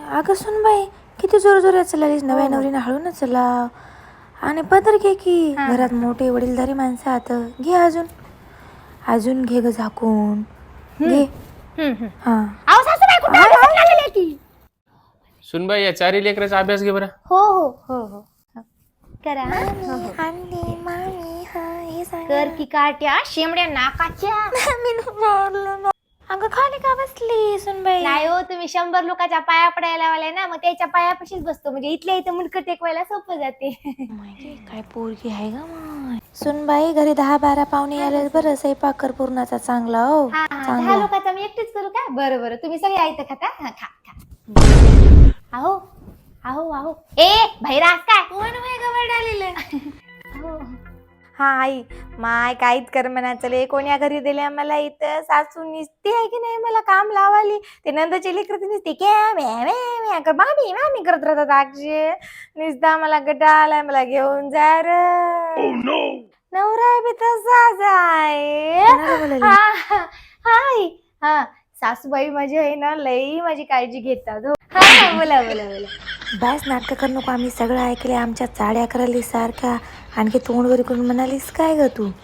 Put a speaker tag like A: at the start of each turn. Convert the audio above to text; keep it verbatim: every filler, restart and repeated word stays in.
A: अगं सुन बाई किती जोर जोरात चाललीस नव्या नवरीने हळून चलाव आणि पदर घे की घरात मोठे वडीलधारी माणसं आत घे अजून अजून घे ग झाकून घे हा
B: सुनबाई या चारी लेकराचा अभ्यास घे बरं.
C: हो हो हो हो करा कर की काट्या शेमड्या नाकाच्या.
A: अगं खाली का बसली सुनबाई?
C: नाही हो तुम्ही शंभर लोकांच्या पाया पडायला वाले ना, मग त्याच्या पायापाशीच बसतो म्हणजे इथल्या इथं मुंडकं टेकवायला सोपं जाते.
A: काय पोरगी आहे ग मग सुनबाई. घरी दहा बारा पाहुणे आले बरं स्वयंपाक कर पूर्णाचा चांगला हो
C: हा हा दहा
A: चांगला.
C: लोकांचा मी एकटीच करू का? बरं बरं तुम्ही सगळे ऐकता खाता. हा खा खा. आहो आहो आहो ए भैरास काय
A: कोण वय गवड आलेलं?
C: हो
A: हा आई माय काहीच कर म्हणा चले कोण्या घरी दिले आम्हाला इथं सासू निसती आहे की नाही मला काम लावाली. ते नंदाची लेकर निसते क्या मामी मामी करत राहतात अक्षय निसता मला गटा आलाय मला घेऊन जा र. नवरा बी तसाच आहे.
C: हाय हा सासूबाई माझी आहे ना लई माझी काळजी घेतात. हो हा बोला बोला बोला.
A: बस नाटक कर नको आम्ही सगळं ऐकले आमच्या चाड्या करायली सारख्या आणखी तोंडवर करून म्हणालीस काय ग तू?